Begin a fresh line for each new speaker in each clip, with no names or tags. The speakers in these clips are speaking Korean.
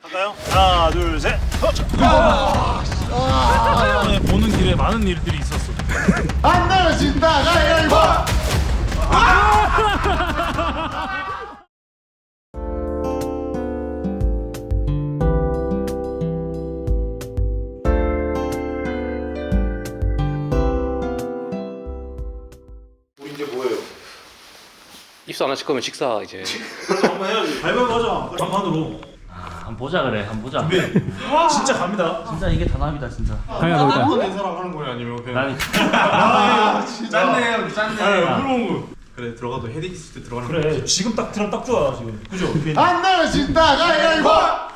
할까요? 하나, 둘, 셋. 보는 길에 많은 일들이 있었어.
안 내려진다 가위바위보.
우리 이제 뭐예요?
입수 안 하실 거면 식사 이제.
한번 해야지. 가위바위보 하자. 반반으로.
한번 보자 그래 한번 보자.
진짜 갑니다.
진짜 이게 단합이다 진짜.
당연히 넣을까? 낸 사람 하는 거야 아니면 그냥?
난
짠네요, 짠네.
부러운 거.
그래 들어가도 헤딩 있을 때 들어가는
그래 지금 딱 들어 딱 좋아 지금. 그죠?
안 내려진다 가위바위보.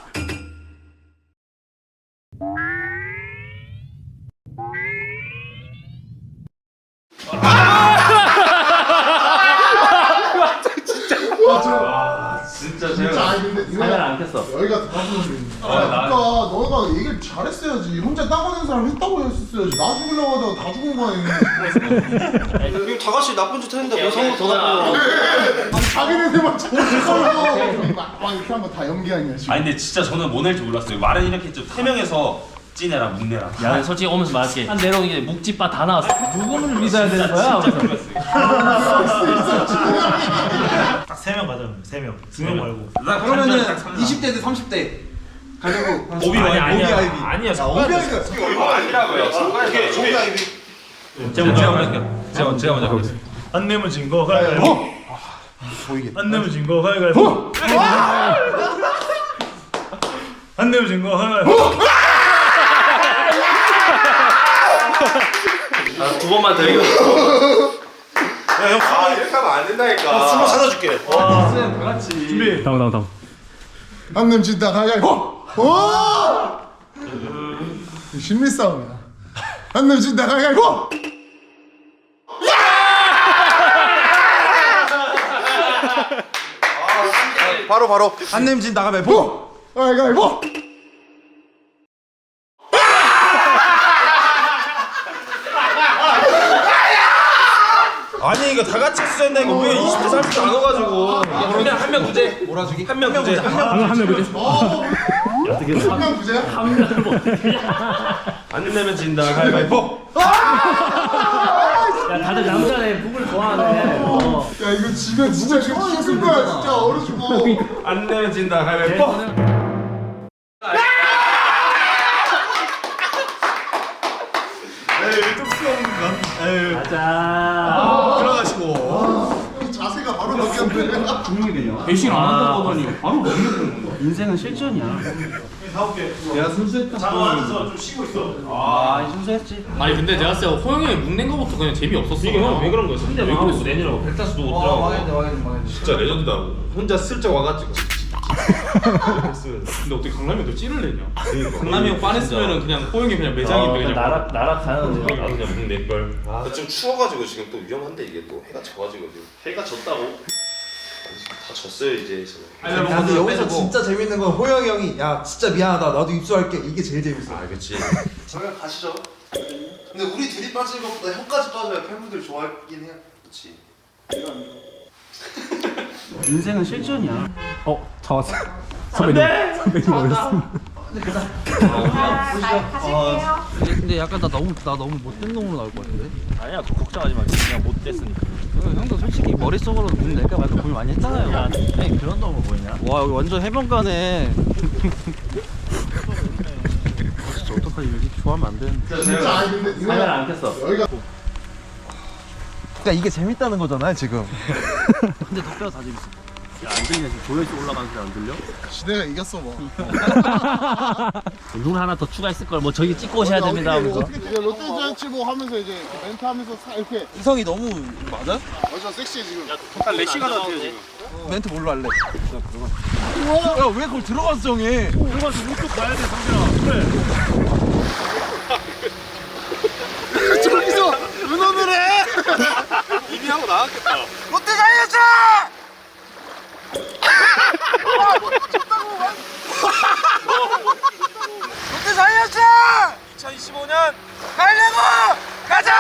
진짜
자, 근데
카메라 안 켰어.
여기가 더 가슴이. 그러니까 너가 얘기를 잘했어야지. 혼자 따고낸 사람 했다고 했었어야지. 나 죽으려고 하다가 다 죽은 거 아니야.
이거 다 같이 나쁜 짓 했는데 왜 상관 더 나쁘고?
아니 자기네들만 잘했어. 막 이렇게 한 거 다 연기 아니야 지금.
아니 근데 진짜 저는 뭐 낼지 몰랐어요. 말은 이렇게 했죠. 3명에서 찐해라 묵내라.
야 솔직히 오면서 말할게. 한 내려오는 게 묵찌빠 다 나왔어. 누구를 믿어야 되는 거야?
진짜 그랬어요.
딱 3명 가자. 3명. 2명 말고.
그러면은 20대 대 30대 가려고.
오비 와이비.
오비 아이비.
아니야.
오비 아이비가
아니라고요.
오케이.
오비 아이비.
제가 먼저 할게요. 제가 먼저 하겠습니다.
안 내면 진 거 가위바위보. 안 내면 진 거 가위바위보. 안 내면 진 거 가위바위보.
두 번만 더 이겨.
이렇게 하면 안 된다니까.
숨을 찾아줄게. 준비.
다음.
안 내려진다 가위바위보. 오! 심리 싸움이야. 안 내려진다 가위바위보.
바로.
안 냄진 나가면 보.
가위바위보.
아니 이거 다 같이 했어야 된다 이거 왜 20대 30대 안 와가지고.
그냥 한 명 문제.
몰아주기.
한 명 문제.
한명 그지?
한명 부재야?
안 내면 진다 가위바위보.
야 다들 남자네 북을 좋아하네.
야 이거 지면 진짜 죽을 거야 진짜 얼어 죽어.
안 내면 진다 가위바위보.
가자.
들어가시고. 자세가 바로 바뀌었네.
배신 안 한다고 하더니 바로 넘겨버리는 거야. 인생은 실전이야.
내가 순수했다.
장화하면서 좀 쉬고 있어.
아 순수했지.
아니 근데 내가 진짜 호영이 형이 묵낸 거부터 그냥 재미없었어.
이게 형왜 그런 거였어?
근데
왜
마음에
그랬어? 내니라고 백다수도 못 들어. 진짜 레전드다. 혼자 슬쩍 와가지고.
근데 어떻게 강남이 너 찌를 내냐? 강남이 형 빤했으면은 그냥 호영이 그냥 매장인데 그냥.
나락 가는 데.
나도 그냥 묵낼 걸.
좀 추워가지고 지금 또 위험한데 이게 또 해가 져가지고 지금. 해가 졌다고? 다 졌어요 이제.
야, 근데 여기서 진짜 재밌는 건 호영이 형이 야 진짜 미안하다 나도 입수할게 이게 제일 재밌어.
아 그렇지.
저희가 가시죠. 근데 우리 둘이 빠지는 것보다 형까지 빠져야 팬분들 좋아하긴 해요. 그렇지.
인생은 실전이야. 차 왔어. 선배님 오셨습니다.
근데 약간 나 너무 못된 놈으로 나올 것 같은데?
아니야 걱정하지 마. 그냥 못 됐으니까.
형도 솔직히 머릿속으로 문 낼까 말까 고민 많이 했잖아요.
야, 아니 그런 놈을 보이냐?
와 여기 완전 해변가네. 진짜 어떡하지? 이렇게 좋아하면 안 되는데.
진짜 아니 근데 이거
카메라 안 켰어.
여기가
그러니까 이게 재밌다는 거잖아요 지금. 근데 덕배가 다 재밌어.
안 들리냐 지금 조회수 올라가는 소리 안 들려?
시대가 이겼어 뭐.
눈 하나 더 추가했을 걸. 뭐 저기 찍고 오셔야 됩니다 하면서.
롯데자이언츠 뭐 하면서 이제 멘트 하면서 이렇게
이성이 너무 맞아?
완전 섹시해 지금.
딱 레시가 같아요 지금.
멘트 뭘로 할래? 야 왜 그걸 들어가서 정해?
들어가서 우뚝 가야 돼 상진아. 그래.
저기서 은원을 해.
이미 하고 나왔겠다.
롯데자이언츠! 롯데자이언츠!
2025년
가려고! 가자!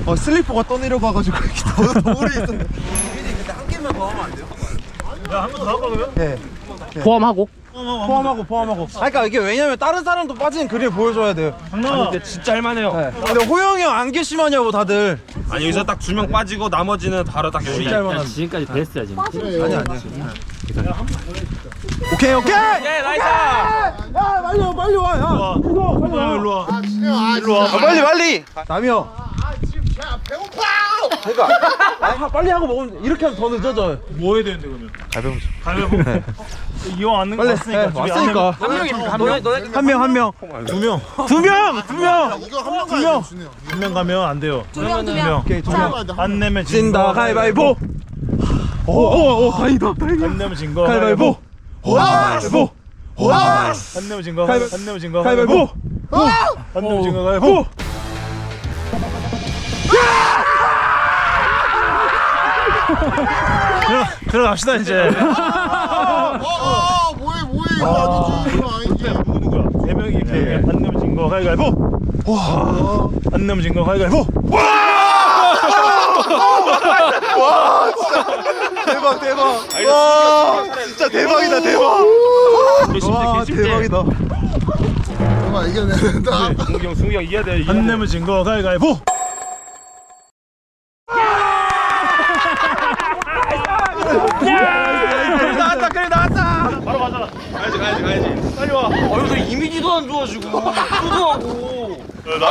슬리퍼가 떠내려가가지고 이렇게 노을이 있었네.
야, 한 번 더 할까 그러면?
네.
포함하고?
포함하고. 그러니까 이게 왜냐면 다른 사람도 빠지는 그림을 보여줘야 돼요.
장난아.
진짜 할만해요.
네. 근데 호영이 형 안 계시마냐고 다들.
아니 여기서 딱 2명 빠지고 나머지는 바로 딱 여기.
진짜 할만한.
지금까지 베스트야 지금.
아니야. 오케이. 예, 나이스. 야, 빨리 와. 야.
일로 와.
아 진짜
일로 와.
빨리. 남이 형.
지금 제가 배고파.
그러니까 빨리 하고 먹으면 이렇게 하면 더 늦어져.
뭐 해야 되는데 그러면? 가위바위보. 이왕 앉는 거
빨리.
왔으니까.
네, 왔으니까.
한 명이
한 명.
두 명.
두 명.
이거 한 명 가야 돼 준영.
한 명 가면 안 돼요.
두 명.
오케이, 두 명.
안 내면
진다 가위바위보. 오, 다행이다.
안 내면 진 거.
가위바위보. 가위바위보.
안 내면 진 거. 안 내면 진 거.
가위바위보.
안 내면 진 거. 가위바위보. 들어갑시다 이제.
뭐해 이거 아니지 이거 아니지.
누구야? 세 명이 이렇게 안 내면 진 거. 가위바위보. 안 내면 진 거. 가위바위보.
대박. 와, 진짜 대박이다. 와, 대박이다.
정말 이겨내야 된다.
승기 형 이겨야 돼.
안 내면 진 거. 가위바위보.
그래 나왔다.
바로 가자.
가야지.
빨리 와.
여기서 이미지도 안 좋아지고 수도하고.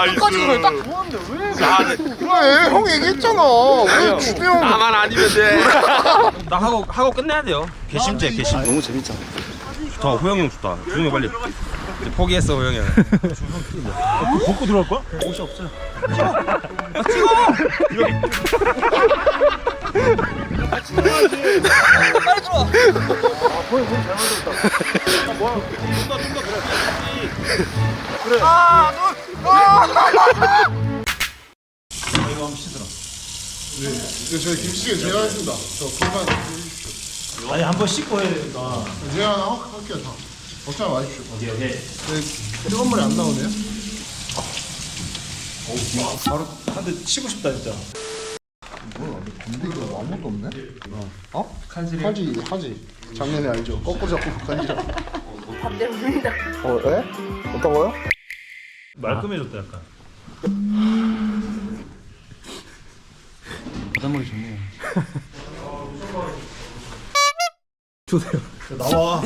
그래 형 얘기했잖아. 왜 준영?
나만 아니면 돼. 나 하고 끝내야 돼요. 괘씸죄. 너무 재밌잖아. 좋다. 호영이 형 좋다. 호영이 빨리. 이제 포기했어 호영이 형.
벗고 들어갈 거야?
저 김치찌개 제가 했습니다. 저 불만 해주십시오.
아니 한 번 씻고 해야 되니까.
제가 하나 할게요 다. 걱정 마십시오. 오케이. 뜨거운 물이 안 나오네요.
바로 한 대 치고 싶다 진짜.
근데 이거 아무것도 없네. 칼질이 하지. 작년에 알죠. 거꾸로 잡고 칼질.
반대로 봅니다.
에? 어떤 거요?
말끔해졌다 약간.
바닷물이 좋네요.
나와.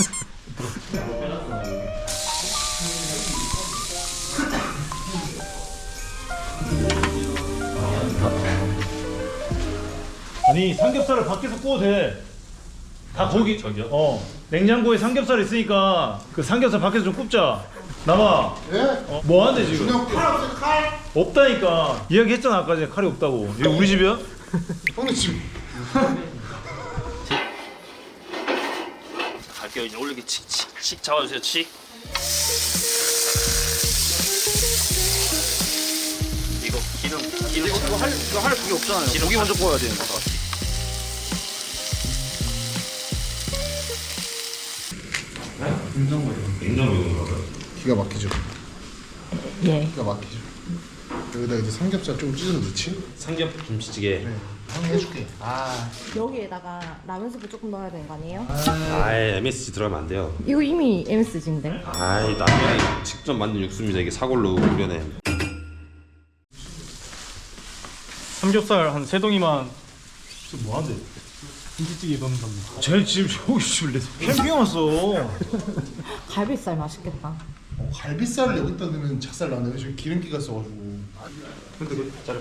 아니 삼겹살을 밖에서 구워도 돼. 다 거기 저기요? 냉장고에 삼겹살 있으니까 그 삼겹살 밖에서 좀 굽자. 나와.
예?
뭐 하는데 지금?
준영 칼 없어요 칼?
없다니까. 이야기했잖아 아까 전에 칼이 없다고. 이거 우리 집이야?
형님 지금
갈게요. 이제 올리기 칙칙칙 잡아주세요. 칙. 이거 기름 이거 할 그게 없잖아요. 고기 먼저 구워야 되는 거다.
기가 막히죠.
예.
기가 막히죠. 여기다 이제 삼겹살 좀 찢어서 넣지?
삼겹 김치찌개.
형이 해줄게.
여기에다가 라면 스프 조금 넣어야 되는 거 아니에요?
아예 MSG 들어가면 안 돼요.
이거 이미 MSG인데.
아이 남편이 직접 만든 육수입니다. 이게 사골로 우려낸.
삼겹살 한 3덩이만. 지금 뭐 하는데? 김치찌개 넣는다고. 쟤 지금 저기 지금 캠핑 왔어.
갈비살 맛있겠다.
갈비살을 여기다 넣으면 작살 나네요. 지금 기름기가 써가지고.
근데 그 짜리.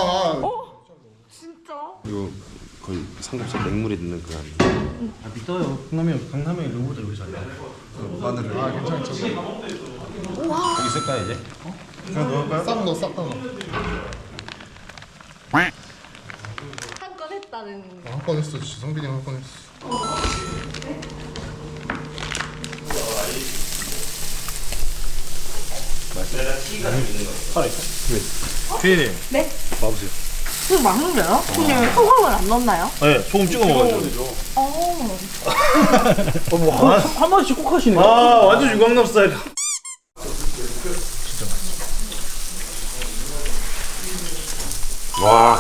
진짜?
이거 거의 삼겹살 냉물에 넣는 그 한.
믿어요. 강남에 로봇들 여기 잘해.
마늘을. 괜찮죠.
여기 있을까 이제?
그냥 넣을까요? 싹 넣어, 싹 넣어.
한 건 했다는.
한 건 했어, 진짜 성빈이 한 건 했어.
피디님.
네?
봐보세요.
이거 맛있네요? 근데 소금을 안 넣나요?
네, 소금 찍어 먹어야죠.
한 번씩 꼭 하시네요.
아, 완전 유광남 스타일.
와.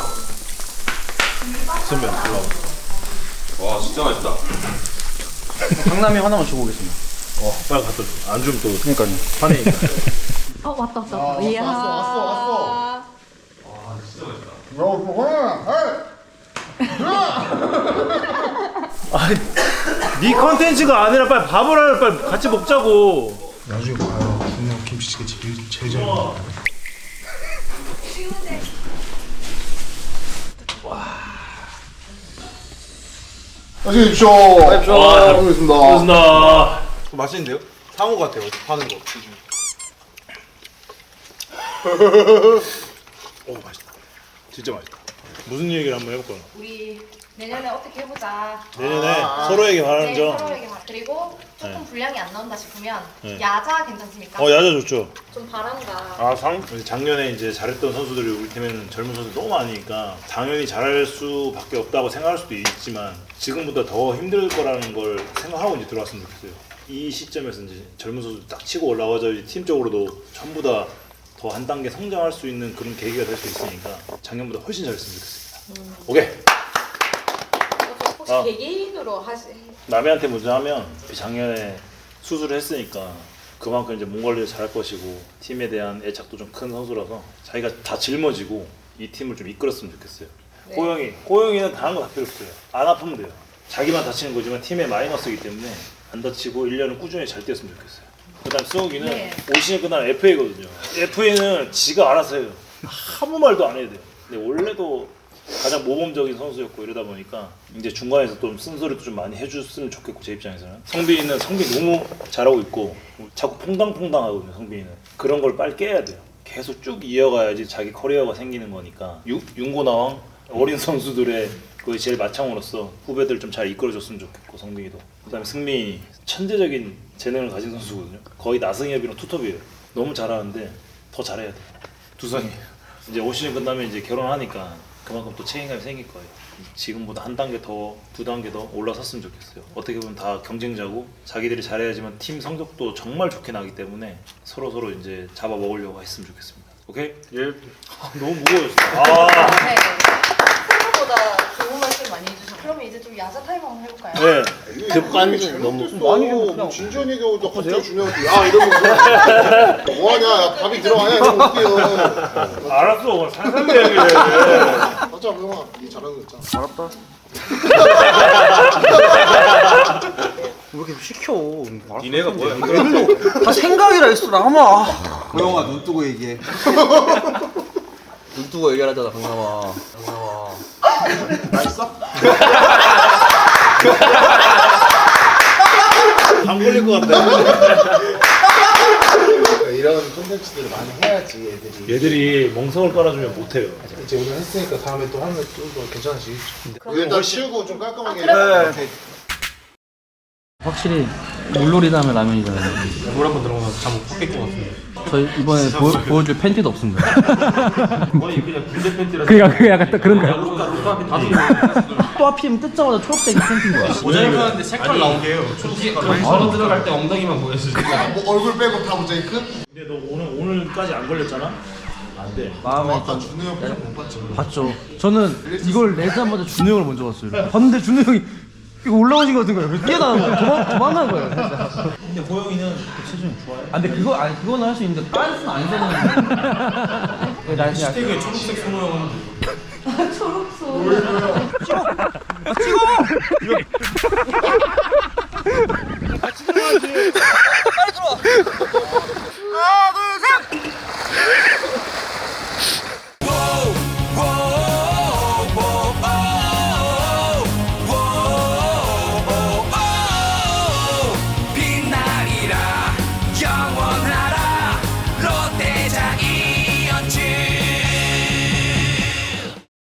선배 올라와. 와 진짜 맛있다.
강남이 하나만 주고 오겠습니다.
빨리 갖다 줘. 안 주면 또
그러니까요.
화내니까.
왔다. 이야.
왔어.
아니, 네 컨텐츠가 아니라 빨리 밥을 하려 빨리 같이 먹자고.
나중에 봐요. 분명 김치찌개 제일 잘 먹어. 맛있게 드십시오. 먹겠습니다.
고맙습니다.
맛있는데요? 상어 같아요. 파는 거.
오 맛있다. 진짜 맛있다. 무슨 얘기를 한번 해볼까?
우리 내년에 어떻게 해보자.
내년에 서로에게 바라는
네,
점.
서로에게 그리고 조금
네.
분량이 안 나온다 싶으면
네.
야자 괜찮습니까?
야자 좋죠.
좀 바란다.
아 작년에 이제 잘했던 선수들이 우리 팀에는 젊은 선수 너무 많으니까 당연히 잘할 수밖에 없다고 생각할 수도 있지만 지금보다 더 힘들 거라는 걸 생각하고 이제 들어왔으면 좋겠어요. 이 시점에서 이제 젊은 선수들 딱 치고 올라와서 이제 팀적으로도 전부 다 더 한 단계 성장할 수 있는 그런 계기가 될 수 있으니까 작년보다 훨씬 잘했으면 좋겠습니다. 오케이.
혹시
아.
개개인으로 하시?
남해한테 먼저 하면 작년에 수술을 했으니까 그만큼 이제 몸 관리를 잘할 것이고 팀에 대한 애착도 좀 큰 선수라서 자기가 다 짊어지고 이 팀을 좀 이끌었으면 좋겠어요.
네.
호영이는 다른 거 다 필요 없어요. 안 아프면 돼요. 자기만 다치는 거지만 팀의 마이너스이기 때문에 안 다치고 1년은 꾸준히 잘 뛰었으면 좋겠어요. 그다음 수욱이는
네.
올 시즌 끝나면 FA거든요. FA는 지가 알아서 해요. 아무 말도 안 해야 돼요. 근데 원래도 가장 모범적인 선수였고 이러다 보니까 이제 중간에서 좀 쓴소리도 좀 많이 해줬으면 좋겠고 제 입장에서는 성빈이는 너무 잘하고 있고 자꾸 퐁당퐁당하거든요. 성빈이는 그런 걸 빨리 깨야 돼요. 계속 쭉 이어가야지 자기 커리어가 생기는 거니까 윤고나왕 어린 선수들의 그 제일 마창으로서 후배들 좀 잘 이끌어줬으면 좋겠고 성빈이도 그다음에 승민이 천재적인 재능을 가진 선수거든요. 거의 나승엽이랑 투톱이에요. 너무 잘하는데 더 잘해야 돼요. 두성이 이제 올 시즌 끝나면 이제 결혼하니까 그만큼 또 책임감이 생길 거예요. 지금보다 한 단계 더, 두 단계 더 올라섰으면 좋겠어요. 어떻게 보면 다 경쟁자고 자기들이 잘해야지만 팀 성적도 정말 좋게 나기 때문에 서로 이제 잡아 먹으려고 했으면 좋겠습니다. 오케이? 예. 너무 무거워졌어.
네. 생각보다 좋은 말씀 많이 해주셔서 그러면 이제 좀 야자 타임 한번 해볼까요?
네. 급한 너무
많이 좀 진지한 얘기하고 갑자기 중요한 거. 야 이러면서 뭐하냐? 야, 밥이 들어가냐? 이러면 어때요?
알았어. 상상대 얘기해.
맞아, 형아. 니 잘하는 거 있잖아.
왜 이렇게 시켜?
니네가 뭐야?
다 생각이라 했어 나마.
호영아 눈 뜨고 얘기해.
눈 뜨고 얘기하잖아 강남아.
안 걸릴 것 같다.
이런 콘텐츠들을 많이 해야지 애들이.
얘들이 멍석을 깔아주면 못해요.
이제 오늘 했으니까 다음에 또 하면 좀 더 괜찮아지겠죠. 일단 치우고 좀 깔끔하게.
네.
확실히 물놀이 다음에 라면이잖아요.
물 한번 들어가면 잠못 깼것 같은데.
저희 이번에 보여줄 팬티도 없습니다.
거의 그냥 군대 팬티라.
그게 약간 딱 그런가요?
루카 팬티 다
또 하필이면 뜯자마자 초록색 팬티인 거야.
모자이크 하는데 색깔 나오게 해요. 초록색 바로 들어갈 때 엉덩이만 보여주지.
뭐 얼굴 빼고 다 모자이크?
근데 너 오늘까지 안 걸렸잖아? 안 돼.
마음에
아까 준우 형 표정 못 봤지?
봤죠. 저는 이걸 내자마자 준우 형을 먼저 봤어요. 봤는데 준우 형이 이거 올라오신 것 같은 거예요. 그래서 뛰어나는 거예요. 도망간 거예요. 살짝.
근데 호영이는 체중이 좋아해?
아, 근데 그거는 할 수 있는데 빤스는 안 되는. 날 그냥
되게 초록색 손호영은